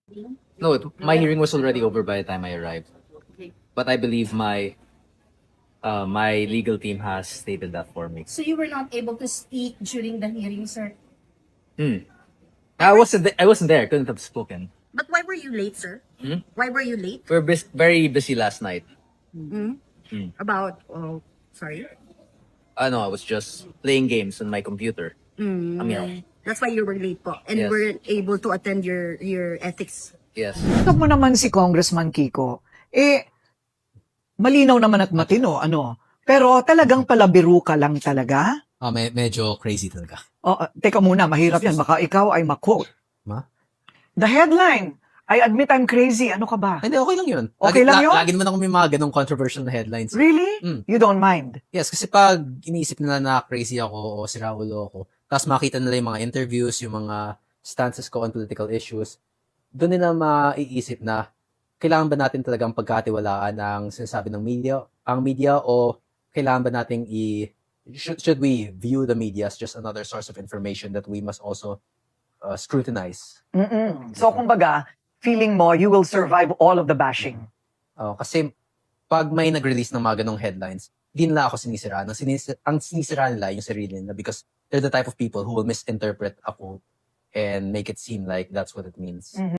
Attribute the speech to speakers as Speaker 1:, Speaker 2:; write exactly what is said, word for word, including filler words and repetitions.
Speaker 1: No, it, my hearing was already over by the time I arrived. But I believe my uh, my legal team has stated that for me.
Speaker 2: So you were not able to speak during the hearing, sir?
Speaker 1: Hmm. I wasn't. th- I wasn't there. Couldn't have spoken.
Speaker 2: But why were you late, sir?
Speaker 1: Hmm?
Speaker 2: Why were you late?
Speaker 1: We were bus- very busy last night.
Speaker 2: Hmm?
Speaker 1: Hmm.
Speaker 2: About, oh, sorry?
Speaker 1: Uh, no, I was just playing games on my computer.
Speaker 2: Mm.
Speaker 1: I mean,
Speaker 2: That's why you were late po. And
Speaker 1: Yes.
Speaker 2: weren't able to attend your your ethics.
Speaker 1: yes.
Speaker 3: Tingnan mo naman si Congressman Kiko. Eh, malinaw naman at matino, ano? Pero talagang palabiro ka lang talaga?
Speaker 4: Ah, me- medyo crazy talaga.
Speaker 3: O, uh, teka muna, mahirap yan. Baka ikaw ay ma-quote.
Speaker 4: Ma?
Speaker 3: The headline, I admit I'm crazy. Ano ka ba?
Speaker 4: Hindi, okay lang yun.
Speaker 3: Okay
Speaker 4: lagi,
Speaker 3: lang yun?
Speaker 4: Lagi naman ako may mga ganong controversial na headlines.
Speaker 3: Really?
Speaker 4: Mm.
Speaker 3: You don't mind?
Speaker 4: Yes, kasi pag iniisip nila na crazy ako o siraulo ako, tapos makita nila yung mga interviews, yung mga stances ko on political issues, doon nila maiisip na kailangan ba natin talagang pagkatiwalaan ang sinasabi ng media, ang media o kailangan ba nating i should, should we view the media as just another source of information that we must also uh, scrutinize?
Speaker 3: Mm-mm. So, kumbaga, feeling mo, you will survive all of the bashing.
Speaker 4: Uh, kasi pag may nag-release ng mga ganong headlines, di nila ako sinisiraan. Ang, sinis- ang sinisira nila yung sarili nila because they're the type of people who will misinterpret a quote and make it seem like that's what it means.